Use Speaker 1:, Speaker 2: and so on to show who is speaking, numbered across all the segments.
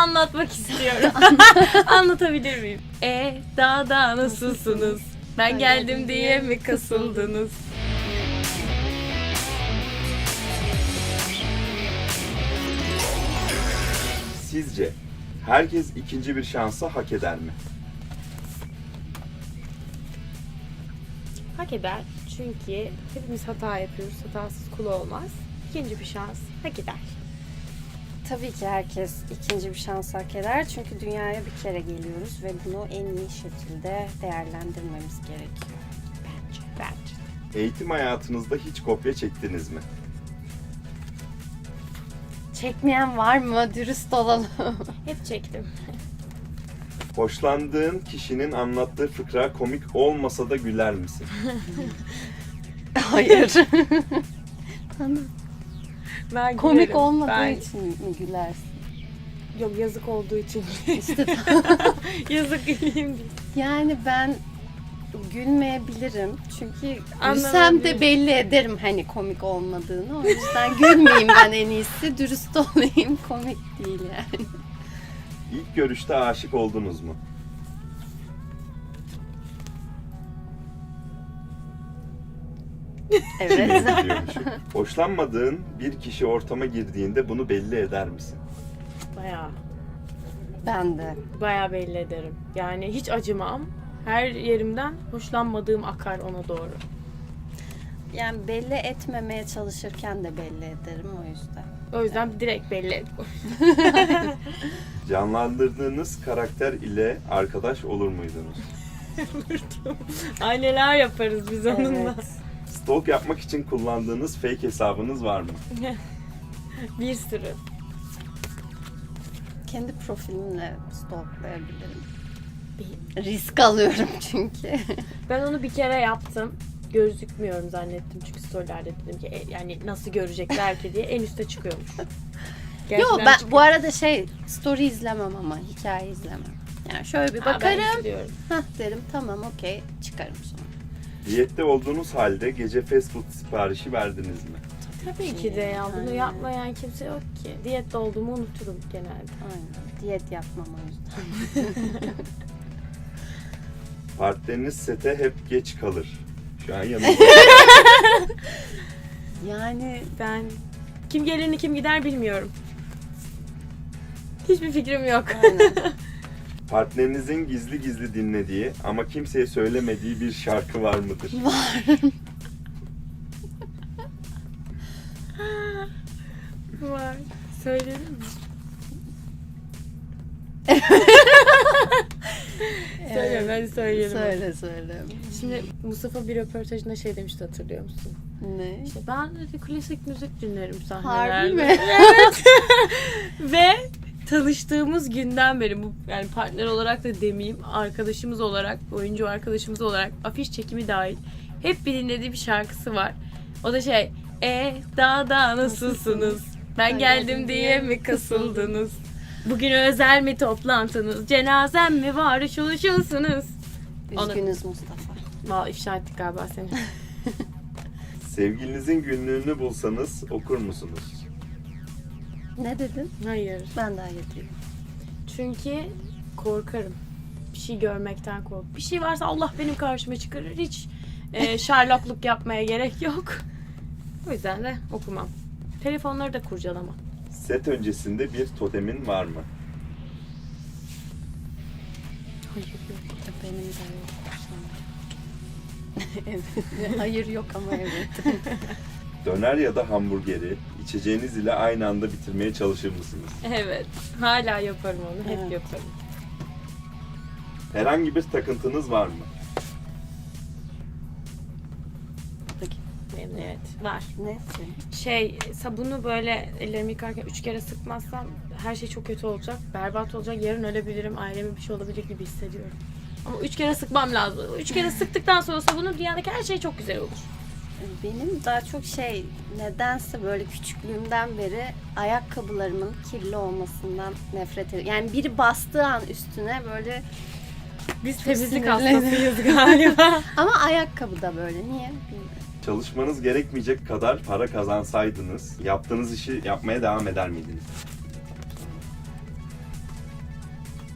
Speaker 1: anlatmak istiyorum. Anlatabilir miyim? Daha nasılsınız? Ben geldim diye mi kasıldınız?
Speaker 2: Sizce herkes ikinci bir şansı hak eder mi?
Speaker 1: Hak eder. Çünkü hepimiz hata yapıyoruz. Hatasız kul olmaz. İkinci bir şans hak eder.
Speaker 3: Tabii ki herkes ikinci bir şans hak eder. Çünkü dünyaya bir kere geliyoruz ve bunu en iyi şekilde değerlendirmemiz gerekiyor.
Speaker 1: Bence.
Speaker 2: Eğitim hayatınızda hiç kopya çektiniz mi?
Speaker 3: Çekmeyen var mı? Dürüst olalım.
Speaker 1: Hep çektim.
Speaker 2: Hoşlandığın kişinin anlattığı fıkra komik olmasa da güler misin?
Speaker 3: Hayır.
Speaker 1: Ben
Speaker 3: Komik
Speaker 1: gülerim.
Speaker 3: olmadığı
Speaker 1: Ben...
Speaker 3: için mi gülersin?
Speaker 1: Yok, yazık olduğu için.
Speaker 3: İşte
Speaker 1: Yazık güleyim diye.
Speaker 3: yani ben gülmeyebilirim. Çünkü
Speaker 1: Anlamadım.
Speaker 3: gülsem de belli ederim hani komik olmadığını. O yüzden gülmeyeyim ben en iyisi. Dürüst olayım. Komik değil yani.
Speaker 2: İlk görüşte aşık oldunuz mu?
Speaker 3: Evet.
Speaker 2: Diyormuşum. Hoşlanmadığın bir kişi ortama girdiğinde bunu belli eder misin?
Speaker 3: Ben de.
Speaker 1: Bayağı belli ederim. Yani hiç acımam. Her yerimden hoşlanmadığım akar ona doğru.
Speaker 3: Yani belli etmemeye çalışırken de belli ederim o yüzden.
Speaker 1: O yüzden direkt belli et.
Speaker 2: Canlandırdığınız karakter ile arkadaş olur muydunuz?
Speaker 1: Ay, neler yaparız biz onunla.
Speaker 3: Evet.
Speaker 2: Stalk yapmak için kullandığınız fake hesabınız var mı?
Speaker 1: Bir sürü.
Speaker 3: Kendi profilimle stalklayabilirim. Risk alıyorum çünkü.
Speaker 1: Ben onu bir kere yaptım. Gözükmüyorum zannettim çünkü storylerde dedim ki yani nasıl görecekler ki diye en üste çıkıyormuş.
Speaker 3: Yok
Speaker 1: Gerçekten
Speaker 3: ben
Speaker 1: çıkıyor.
Speaker 3: bu arada story izlemem ama hikaye izlemem. Yani şöyle bir
Speaker 1: Ha, ben
Speaker 3: bakarım.
Speaker 1: izliyorum.
Speaker 3: Hah derim tamam okey çıkarım sonra.
Speaker 2: Diyette olduğunuz halde gece fast food siparişi verdiniz mi?
Speaker 1: Tabii ki de ya. Bunu
Speaker 3: Aynen.
Speaker 1: yapmayan kimse yok ki. Diyette olduğumu unuturum genelde.
Speaker 3: Aynen. Diyet yapmam o yüzden.
Speaker 2: Partneriniz sete hep geç kalır. Şu an yanımda.
Speaker 3: Yani
Speaker 1: Ben kim gelir kim gider bilmiyorum. Hiçbir fikrim yok.
Speaker 3: aynen.
Speaker 2: Partnerinizin gizli gizli dinlediği ama kimseye söylemediği bir şarkı var mıdır?
Speaker 1: Var. Söyleyelim mi? Söyle, ben söyleyelim.
Speaker 3: Söyle.
Speaker 1: Şimdi Mustafa bir röportajında şey demişti, hatırlıyor musun?
Speaker 3: Ne?
Speaker 1: İşte ben dedi klasik müzik dinlerim sahnelerde.
Speaker 3: Harbi mi?
Speaker 1: Evet. Ve tanıştığımız günden beri bu yani partner olarak da demeyeyim, arkadaşımız olarak, oyuncu arkadaşımız olarak afiş çekimi dahil hep bir dinlediği bir şarkısı var. O da daha nasılsınız? Ben geldim diye mi kasıldınız? Bugün özel mi toplantınız? Cenazem mi var? Uşulsunuz.
Speaker 3: Üzgünüz Mustafa.
Speaker 1: Vallahi ifşa ettik galiba seni.
Speaker 2: Sevgilinizin günlüğünü bulsanız okur musunuz?
Speaker 3: Ne dedin?
Speaker 1: Hayır.
Speaker 3: Ben daha getireyim.
Speaker 1: Çünkü korkarım. Bir şey görmekten kork. Bir şey varsa Allah benim karşıma çıkarır. Hiç Sherlockluk yapmaya gerek yok. O yüzden de okumam. Telefonları da kurcalamam.
Speaker 2: Set öncesinde bir totemin var mı?
Speaker 1: Hayır yok.
Speaker 3: Benim de yok. Evet. Hayır yok ama evet.
Speaker 2: Döner ya da hamburgeri içeceğiniz ile aynı anda bitirmeye çalışır mısınız?
Speaker 1: Evet. Hala yaparım onu. Hep
Speaker 3: Evet.
Speaker 1: yaparım.
Speaker 2: Herhangi bir takıntınız var mı?
Speaker 1: Benim evet. Var.
Speaker 3: Ne?
Speaker 1: Sabunu böyle ellerimi yıkarken 3 kere sıkmazsam her şey çok kötü olacak. Berbat olacak. Yarın ölebilirim. Aileme bir şey olabilir gibi hissediyorum. Ama 3 kere sıkmam lazım. 3 kere sıktıktan sonra sabunu dünyadaki her şey çok güzel olur.
Speaker 3: Benim daha çok nedense böyle küçüklüğümden beri ayakkabılarımın kirli olmasından nefret ediyorum. Yani biri bastığı an üstüne böyle
Speaker 1: Biz
Speaker 3: Çok
Speaker 1: temizlik
Speaker 3: sinirleniyorum.
Speaker 1: hastasıyız galiba.
Speaker 3: ama ayakkabı da böyle. Niye? Bilmiyorum.
Speaker 2: Çalışmanız gerekmeyecek kadar para kazansaydınız yaptığınız işi yapmaya devam eder miydiniz?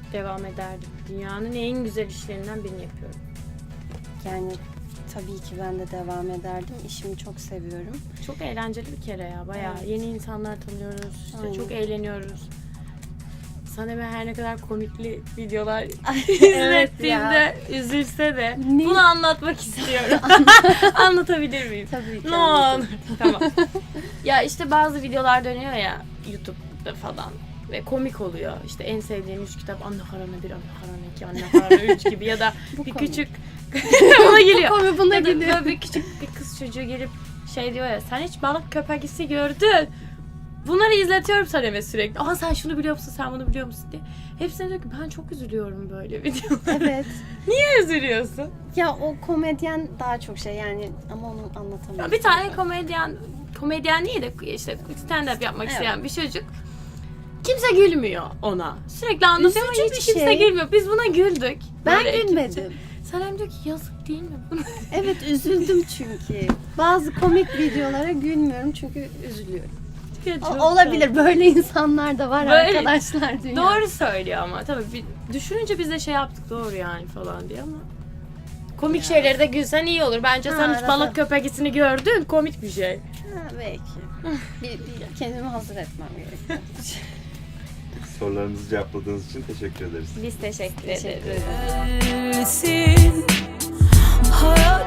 Speaker 1: devam ederdim. Dünyanın en güzel işlerinden birini yapıyorum.
Speaker 3: Yani tabii ki ben de devam ederdim. İşimi çok seviyorum.
Speaker 1: Çok eğlenceli bir kere ya. Bayağı
Speaker 3: Evet.
Speaker 1: yeni insanlar tanıyoruz. İşte
Speaker 3: Aynen.
Speaker 1: çok eğleniyoruz. Sanem'e her ne kadar komikli videolar
Speaker 3: Evet
Speaker 1: izlettiğimde üzülse de
Speaker 3: Ne?
Speaker 1: bunu anlatmak istiyorum. Anlatabilir miyim?
Speaker 3: Tabii ki.
Speaker 1: Ne olur. Tamam. Ya işte bazı videolar dönüyor ya YouTube'da falan ve komik oluyor. İşte en sevdiğim 3 kitap Anne Karanı 1, Anne Karanı 2, Anne Karanı 3 gibi ya da
Speaker 3: Bu
Speaker 1: bir
Speaker 3: komik.
Speaker 1: küçük buna geliyor.
Speaker 3: Komik, buna
Speaker 1: Ya da
Speaker 3: geliyor.
Speaker 1: böyle bir küçük bir kız çocuğu gelip şey diyor ya, sen hiç balık köpekisi gördün. Bunları izletiyorum Sanem'e sürekli. Aa sen şunu biliyor musun, sen bunu biliyor musun diye. Hepsine diyor ki ben çok üzülüyorum böyle videolara.
Speaker 3: Evet.
Speaker 1: Niye üzülüyorsun?
Speaker 3: Ya o komedyen daha çok şey yani ama onu anlatamıyorum.
Speaker 1: Ya bir tane komedyen değil de işte stand-up yapmak
Speaker 3: Evet.
Speaker 1: isteyen bir çocuk. Kimse gülmüyor ona. Sürekli anlatıyor ama
Speaker 3: Üzücü
Speaker 1: hiç
Speaker 3: bir
Speaker 1: kimse
Speaker 3: şey.
Speaker 1: gülmüyor. Biz buna güldük.
Speaker 3: Ben
Speaker 1: Böyle
Speaker 3: gülmedim.
Speaker 1: Sanem diyor ki yazık değil mi?
Speaker 3: Evet üzüldüm çünkü. Bazı komik videolara gülmüyorum çünkü üzülüyorum. Olabilir böyle insanlar da var
Speaker 1: Böyle-
Speaker 3: arkadaşlar dünyada.
Speaker 1: Doğru söylüyor ama tabii düşününce biz de şey yaptık doğru yani falan diye ama komik şeyleri de gülsen iyi olur. Bence sen hiç
Speaker 3: arada.
Speaker 1: balık köpekisini gördün. Komik bir şey.
Speaker 3: Ha, belki. bir kendimi hazır etmem gerekiyor.
Speaker 2: Sorularımızı cevapladığınız için teşekkür ederiz.
Speaker 1: Biz teşekkür
Speaker 3: Teşekkür
Speaker 1: ederiz.
Speaker 3: ederim.
Speaker 4: Gelsin hayat